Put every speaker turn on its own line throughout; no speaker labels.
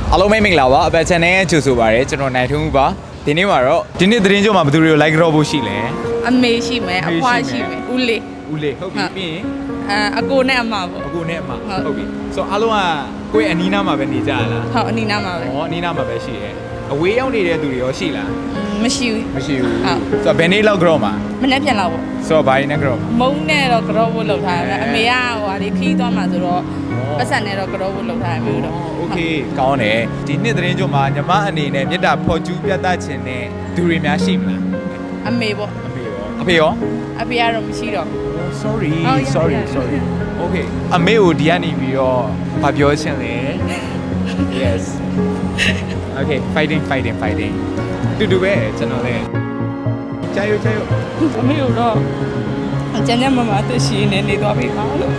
အားလုံးပဲမင်္ဂလာပါအပတ် channel ရဲ့ကြိုဆိုပါရစေကျွန်တော်နိုင်ထုံးပါဒီနေ့မှာတော့ဒီနေ့သတင်းကြိုမှာဘယ်သူတွေကို like ကြောဖို့ရှိလဲ
အမေရှိမယ်အဖွားရှိမယ်ဦးလေး
ဦးလေးဟုတ်ပြီပြီးရင်
အကိုနဲ့အမပေါ့
အကိုနဲ့အမဟုတ်ပြီဆိုတော့အားလုံးကကိုယ့်ရဲ့အနီးနားမှာပဲနေကြရလား
ဟုတ်အနီးနားမှာပဲ
ဟောအနီးနားမှာပဲရှိရဲအဝေးရောက်နေတဲ့သူတွေရောရှိလား
မရှိဘူး
မရှိဘူး
ဟုတ်
ဆိုတော့ဘယ်နေ့လောက်ကြောမှာ
မနေ့ပြန်လာပေါ့
ဆိုတော့ဘာရင်းနဲ့ကြောမှာ
မုံနဲ့တော့ကြောဖို့လုပ်ထားတယ်အမေကဟိုဟာဒီခီးသွားမှာဆိုတော့ပတ်စံနဲ့တော့ကြောဖို့လုပ်ထားတယ်မျိုးတော့
โอเคကောင်းတယ်ဒီနှစ်သတင်းကြိုမှာညီမအနေနဲ့မေတ္တာဖော်ကျူးပြသခြင်းနဲ့သူတွေများရှိမလား
အမေပေါ့
အဖေရောအဖေရော
အဖေကတော့မရှိတော့
sorry
ဟုတ်
sorry
ရတယ်
sorry okay အမေကိုဒီကနေပြီးတော့ဗာပြောချင်လဲ yes okay fighting တူပဲကျွန်တော်လည်းကြာရ
အမေကတော့ကျန်တဲ့မမအသက်ရှင်နေသွားပြီပါလို့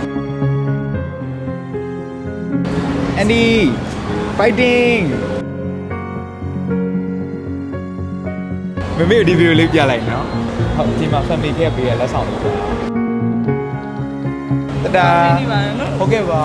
Andy fighting မမေဒီဗီဒီယိုလေးပြလိုက်နော်ဟုတ်ဒီမှာ family ခဲ့ပေးရလက်ဆောင်လေးတဒါ
ဒီပါနော်
ဟုတ်ကဲ့ပါ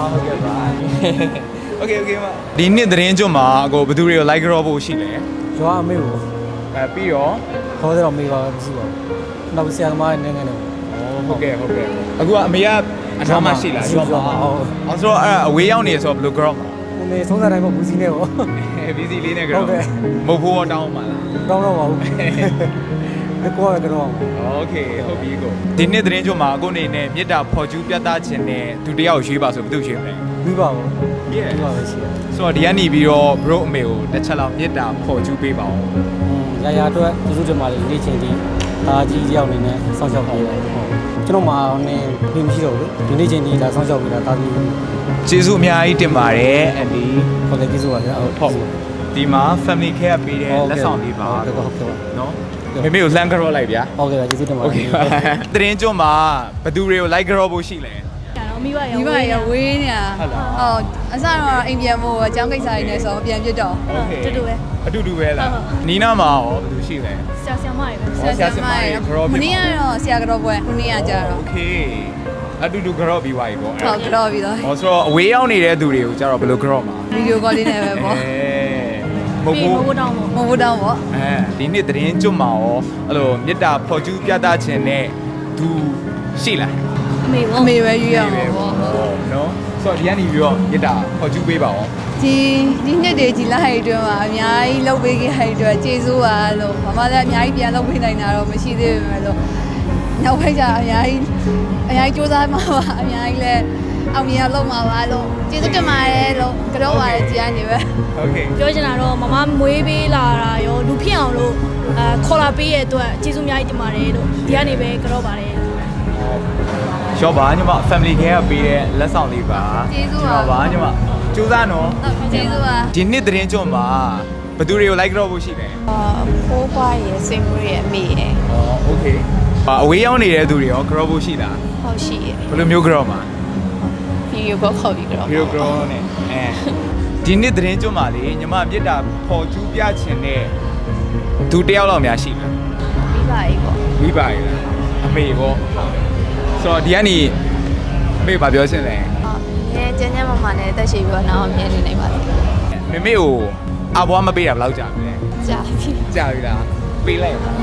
okay ပါဒီနှစ်သတင်းကြွမှာအကိုဘယ်သူတွေကို like ကြောဖို့ရှိလဲ
ရွာအမေကို
ပြီးတော့
ခေါ်တယ်တော့မေပါမရှိပါဘူး။နောက်ဆရာသမားနဲ့ငယ်နေ
ဟုတ်ကဲ့အခုကအမေကအနောက်မှရှိလားဟုတ်အောင်ဆိုတော့အဲ့အဝေးရောက်နေဆိုတော့ဘယ်လို grow မှာ
။ကိုမေသုံးစားတိုင်းမှာဘူးစီနဲ့ပေါ့
BC လေးနဲ့ grow မဟုတ်ဘူးတောင်းမှာလား
။တောင်းတော့ပါဘူး။ဒီကောရကတော့
โอเคဟုတ်ပြီကိုဒီနေ့သတင်းကြွမှာအခုအနေနဲ့မေတ္တာဖော်ကျူးပြသခြင်းနဲ့သူတယောက်ရွေးပါဆိုဘယ်သူရွေးမလဲ
ပြီးပါဘူး
Yeah
ပြီးပါပဲရှိတယ်
ဆိုတော့ဒီကနေပြီးတော့ bro အမေကိုတစ်ချက်လောက်မေတ္တာဖော်ကျူးပေးပါဦး
။ရာရာအတွက်သူတို့တင်ပါလေနေ့ချင်းဒီဒါကြီးတယောက်အနေနဲ့စောင့်ရှောက်ပေးတယ်ဟုတ်။ကျွန်တော်မှနေပြီးမရှိတော့ဘူး။ဒီနေ့ချင်းဒီဒါစောင့်ရှောက်ပေးတာဒါကြီး
ကျေးဇူးအများကြီးတင်ပါတယ်အန်ဒီ
ဟုတ်တယ်ကျေးဇူးပါဗျာဟုတ်
ဟုတ်ဒီမှာ family care ပေးတဲ့လက်ဆောင်လေးပါ
ဟုတ်ကဲ့ပါ
နော်မေမေကိုလှမ်းကြောလိုက်ဗျာ
ဟုတ်ကဲ့ပါကျေးဇူးတင်ပါ
โอเคပါသတင်းကြွမှာဘယ်သူတွေကို like ကြောဖို့ရှိလဲ
မိဘ
မိဘရဝေးနေတာ
ဟုတ်လား
ဟုတ်အစတော့အိမ်ပြန်ဖို့အကြောင်းကိစ္စတွေနဲ့ဆိုပြန်ပြစ်တော့
โอเค
တူတူပဲ
အတူတူပဲလားနီးနားမှာရောဘယ်သူရှိလဲ
ဆရာဆရာမတွေပဲ
ဆရာဆရာမတွေ
မနေ့ကတော့ဆရာကတော့ပွဲခုနေ့ကကြတော့
โอเคအတူတူကြောပြီးသွားပြီပေါ့
ဟုတ်ကတော့ပြီးတော့
ဟောဆိုတော့အဝေးရောက်နေတဲ့သူတွေကိုကျတော့ဘယ်လိုကြောမှာ
ဗီဒီယိုကောလေးနဲ့ပဲပေါ့
မဟုတ်ဘူး
ဘိုးတောင်းပေါ့
မဟုတ်တော့ပေါ့
ဒီနေ့သတင်းကြွမှာရောအဲ့လိုမေတ္တာဖော်ကျူးပြသခြင်းနဲ့သူရှိလား
အမေ
အ
ပေါ့
မေပဲယူရမှာပေါ့
နော်ဆိုတော့ဒီကနေပြီးတော့မေတ္တာဖော်ကျူးပေးပါဦး
ဒီနှစ်တွေကြီးလိုက်အတွင်းမှာအများကြီးလှုပ်ပေးခဲ့တဲ့အတွက်ကျေးဇူးပါလို့မမလည်းအများကြီးပြန်လှုပ်ပေးနိုင်တာတော့မရှိသေးပေမဲ့လို့နောက်ဖိုက်ကြအများကြီးစူးစမ်းမှာပါအများကြီးလည်းအောင်မြင်အောင်လုပ်မှာပါလို့ကျေးဇူးတင်ပါတယ်လို့ကြောက်ပါတယ်ကြည်အနေပဲ
โอเค
ပြောချင်တာတော့မမမွေးပေးလာတာရောလူဖြစ်အောင်လို့ခေါ်လာပေးရတဲ့အတွက်ကျေးဇူးအများကြီးတင်ပါတယ်လို့ဒီကနေပဲကြောက်ပါတယ်
ရှော့ပါညီမ family care ကပေးတဲ့လက်ဆောင်လေးပါ
ကျေးဇူးပါ
ပါညီမကျူးစားနော်
ကျေးဇူးပါ
ဒီနှစ်သတင်းကြွမှာဘယ်သူတွေကို like ကြောဖို့ရှိလဲ
ဖိုးဖွားရယ်စိတ်မွေးရယ်အမေရယ်
โอเคအဝေးရောက်နေတဲ့သူတွေရော grow ဖို့ရှိလား
ဟုတ်ရှိရယ်
ဘယ်လိုမျိုး grow မှာ
ဗီဒီယိုကောခေါ်ပြီးတော့
video grow နဲ့ဒီနေ့သတင်းကြွမှာလေညီမမြစ်တာဖော်ကျူးပြခြင်းနဲ့သူတယောက်လောက်များရှိလား
ပြီးပါပြီပေါ့
မိပါရလားအမေပေါ့ဆိုတော့ဒီကနေအမေဘာပြောချင်လဲ
ငယ်ကျန်းကျန်းမာမာနဲ့တက်ရှိပြီးတော့နောက်အမြဲနေနိုင်ပါသေးတယ်
မေမေကိုအဘွားမပေးတာဘယ်လောက်ကြာပြီလဲ
ကြာပြီ
ကြာပြီလားပေးလိုက်ပါ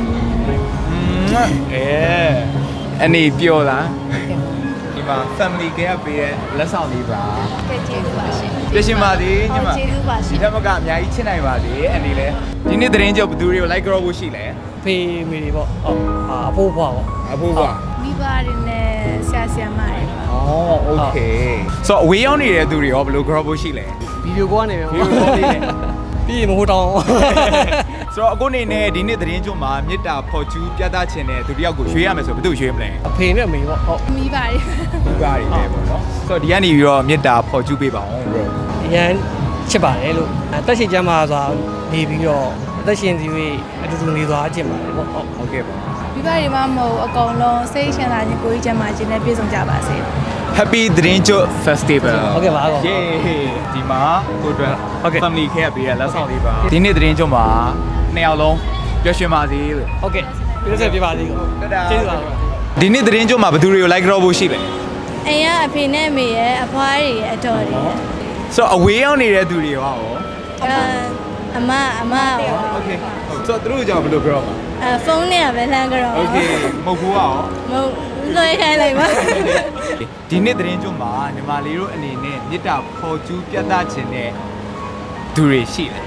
အနေပြောလားဒီမှာ family care ပေးတဲ့လက်ဆောင်လေးပါ
ကဲကျေးဇူးပါရှင်
ပြရှင်ပါသေးညီမ
ကျေးဇူးပါရှ
ဒီ
င်
ထက်မကအများကြီးချစ်နိုင်ပါသေးအနေလဲဒီနေ့သတင်းကြောက်ဘယ်သူတွေကို like ကြောဖို့ရှိလဲ
ဖေးမေတွေပေါ့ဟုတ်အဖိုးဖွားပေါ့
အဖိုးက
မိဘတွေနဲ့ဆရာဆရာမတွေပါ
အော်โอเคဆိုတော့အဝေးရောက်နေတဲ့သူတွေရောဘယ်လို grow ဖို့ရှိလဲ
ဗီဒီယိုကောကနေပဲ
ဗီဒီယိုကောလေးနဲ့
ပြီးရင်မဟုတ်တော့
ဆိုတော့အခုအနေနဲ့ဒီနေ့သတင်းကြွမှာမေတ္တာဖော်ကျူးပြသခြင်းနဲ့သူတယောက်ကိုရွေးရမယ်ဆိုဘယ်သူရွေးမလဲ
အဖေနဲ့အမေပေါ့ဟုတ်
မိဘတွေ
ဒီပါရီပဲပေါ့နော်ဆိုတော့ဒီကနေပြီးတော့မေတ္တာဖော်ကျူးပေးပါအောင် bro
အရန်ချစ်ပါတယ်လို့အသက်ရှင်ကျမ်းမာစွာနေပြီးတော့အသက်ရှင်စီ၍အတူတူနေသွားခြင်းပါတယ်ပေါ့ဟုတ်
ဟုတ်ကဲ့ပါ
မိဘတွေမှမဟုတ်အကုန်လုံးစိတ်ချမ်းသာခြင်းကိုယ်ကြီးချမ်းသာခြင်းနဲ့ပြည့်စုံကြပါစေ
Happy သတင်းကြွ Festival
ဟုတ်ကဲ့ပါကော
ယေဒီမှာကိုအတွက်
ဟုတ်ကဲ့
family care ပေးရလက်ဆောင်လေးပါဒီနေ့သတင်းကြွမှာနှစ်ယောက်လုံးပျော်ရွှင်ပါစေလို့
ဟုတ်ကဲ့ပြည့်စုံပြပါသေးကော
တဒါ
ကျေးဇူးပါ
ဒီနေ့သတင်းကြွမှာဘယ်သူတွေကို like ကြောဖို့ရှိလဲ
အိမ်ကအဖေနဲ့အမေရဲ့အဖွားတွေရဲ့အတော်တွေရဲ့
ဆိုတော့အဝေးရောက်နေတဲ့သူတွေရော
အမရော
โอเคဆိုတော့သူတို့ကြောင့်ဘယ်လိုပြောမှာ
ဖုန်းနဲ့ပဲလမ်းကြတော့
โอเคမဟုတ်ဘူးရော
မဟုတ်လွှဲခိုင်းလိုက်ပါ
ဒီနေ့သတင်းကြွမှာညီမလေးတို့အနေနဲ့မြစ်တာဖော်ကျူးပြသခြင်းနဲ့သူတွေရှိတယ်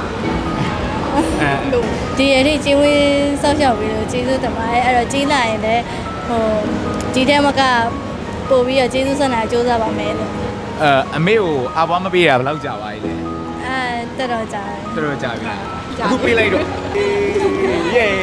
အဲ
ဒီအထိကျေးဝင်းစောက်ရှောက်ပြီးတော့ကျေးဇူးတင်ပါတယ်အဲ့တော့ကြီးလာရင်လည်းဟိုဒီတဲမကပို့ပြီးတော့ကျေးဇူးဆက်နာစူးစမ်းပါမယ်လို့
အမေကိုအဘွားမပေးတာဘယ်လောက်ကြာပါလဲ
တော်တော်ကြာတယ်
တော်တော်ကြာပြီအခုပေးလိုက်တော့เย้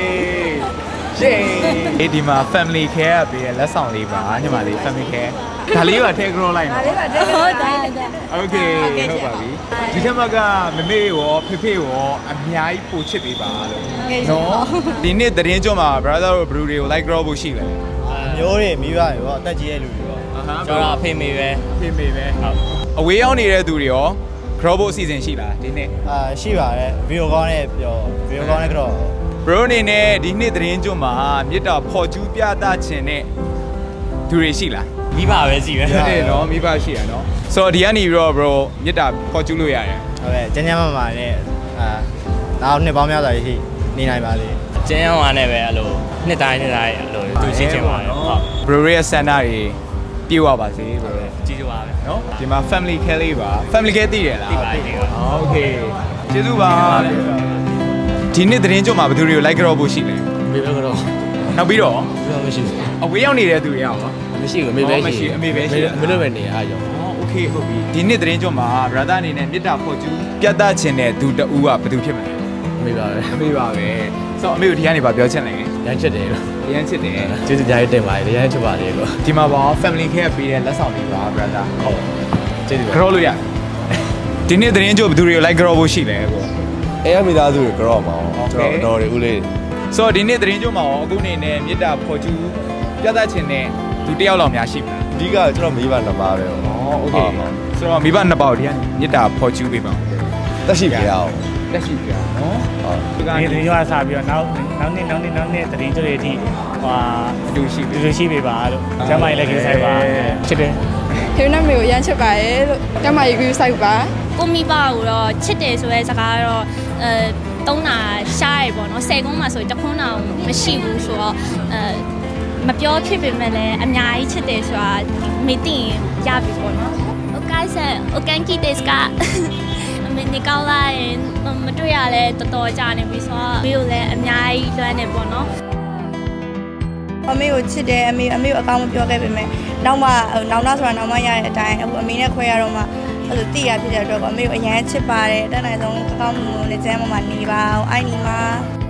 เย้ဒီမှာ family care ပေးရလက်ဆောင်လေးပါညီမလေး family care ဒါလေးပါထည့်ကြောလိုက်နော်
ဟုတ်တယ်
โอเคဟုတ်ပါပြီဒီထက်မှကမမေရောဖေဖေရောအများကြီးပို့ချစ်ပေးပါလို့နော်ဒီနေ့သတင်းကြွမှာ brother တို့ brew တွေကို like grow ဖို့ရှိတယ်
မျိုးတွေမိဘတွေပေါ့အသက်ကြီးရဲ့လူတွေပေါ့
ကျွန်တော်အဖေမေပဲ
ဖေမေပဲဟုတ်အဝေးရောက်နေတဲ့သူတွေရော grow ဖို့အစီအစဉ်ရှိလားဒီနေ့
ရှိပါတယ်ဗီဒီယိုကောင်းနဲ့ပြောဗီဒီယိုကောင်းနဲ့ကတော့
bro အနေနဲ့ဒီနေ့သတင်းကြွမှာမြစ်တာဖော်ကျူးပြသခြင်းနဲ့သူတွေရှိလား
မိဘပဲစီပဲ
ဟုတ်တယ်နော်မိဘရှိရနော်ဆိုတော့ဒီကနေပြီးတော့ bro မြစ်တာဖော်ကျူးလို့ရတယ်
ဟုတ်ကဲ့ကျန်းကျန်းမာမာနဲ့နောက်နှစ်ပေါင်းများစွာရှိနေနိုင်ပါလေ
ကျင်းအောင်နဲ့ပဲအဲ့လိုနှစ်တိုင်းအဲ့လိုသူရှင်းချင်ပါတယ်ဟုတ်
bro ရဲ့ဆန္ဒတွေပြေဝပါစေ bro
ကြီးကြပါပဲ
နော်ဒီမှာ family care လေးပါ family care သိရလား
ဒီပါဒီပါ
โอเคကျေးဇူးပါဒီနေ့သတင်းကြွမှာဘယ်သူတွေကို like ကြောဖို့ရှိလဲ
မေပဲကတော့
နောက်ပြီးတော့
မရှိဘူး
အဝေးရောက်နေတဲ့သူတွေရော
မရှိဘူးမေပဲရှိ
အမေပဲရှိ
မလို့ပဲနေအားကြောင့်
โอเคဟုတ်ပြီဒီနေ့သတင်းကြွမှာ brother အနေနဲ့မြစ်တာဖော်ကျူးပြသခြင်းတဲ့သူတဦးကဘယ်သူဖြစ်မလဲ
မေပါပဲ
အမေပါပဲဆိုတော့အမေကိုဒီကနေပါပြောချင်တယ်
ရမ်းချက်တယ်လို့
ရမ်းချစ်တယ်
ကျေးဇူးကြားရတင်ပါတယ်ရမ်းချက်ပါတယ်လို့
ဒီမှာပါ family care ပေးတဲ့လက်ဆောင်လေးပါ brother ဟုတ်
ကျေးဇူးပါ
ကြောလို့ရတယ်ဒီနေ့သတင်းကြွဘယ်သူတွေကို like ကြောဖို့ရှိလဲပေါ့
အဲမိသားစုတွေကြောက်မှာကျွန်တော်တော်တွေဦးလေး
ဆိုတော့ဒီနေ့သတင်းကြွမှာရောအခုအနေနဲ့မြစ်တာဖော်ကျူးပြသခြင်းနဲ့သူတယောက်လောက်များရှိမလား
အဓိကကျွန်တော်မိဘနှစ်ပါးပဲပေါ့
โอเคဆိုတော့မိဘနှစ်ပေါက်ဒီကမြစ်တာဖော်ကျူးပေးပါ
တက်ရှိပြရအောင်
လက်ရှိပြနော်
ဟုတ်
ဒီက
ဒီသတင်းကြွားစပြီးတော့နောက်နေ့သတင်းကြွတွေအထိဟို
အတူရှိပြီ
တူရှိပေးပါလို့ကျမ်းမာရေးလည်းကိစ္စပါချစ်တယ်
ဖေနမေကိုရမ်းချစ်ပါရဲ့လို့ကျမရေကူးစိုက်ပါ
ကိုမိဘကိုတော့ချစ်တယ်ဆိုတဲ့စကားကတော့တုံးတာရှားရပေါ့နော်10ကုန်းမှာဆိုတခွန်းတောင်မရှိဘူးဆိုတော့မပြောဖြစ်ပေမဲ့လည်းအများကြီးချစ်တယ်ဆိုတာမေ့တင်ရပြီပေါ့နော်โอเคဆက်โอเคကီတက်စကအမေနေကောင်းလာရင်မတွေ့ရလဲတော်တော်ကြာနေပြီဆိုတော့မေကိုလည်းအများကြီးလွမ်းနေပေါ့နော်
အမေကိုချစ်တယ်အမေကိုအကောင်းမပြောခဲ့ပေမဲ့နောက်မှနောက်ဆိုတာနောက်မှရတဲ့အတိုင်းအခုအမေနဲ့ခွဲရတော့မှအဲ့လိုတိရဖြစ်တဲ့အတွက်ကအမေကိုအရန်ချစ်ပါတယ်တန်းနိုင်ဆုံးအကောင်းမှုနဲ့ကျမ်းမာနေပါအောင်အိုင်နီမှာ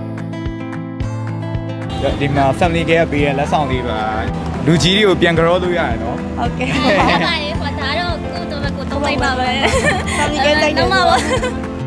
ဒီမှာ family care ပေးတဲ့လက်ဆောင်လေးပါလူကြီးတွေကိုပြန်ကြောလို့ရတယ်နော်
ဟုတ်ကဲ့
ဟုတ်ပါရဲ့ဟိုဒါတော့ကိုတော့ကိုတော့လိုက်ပါပဲ
family care တိုက်တယ်
တော့မှာပါ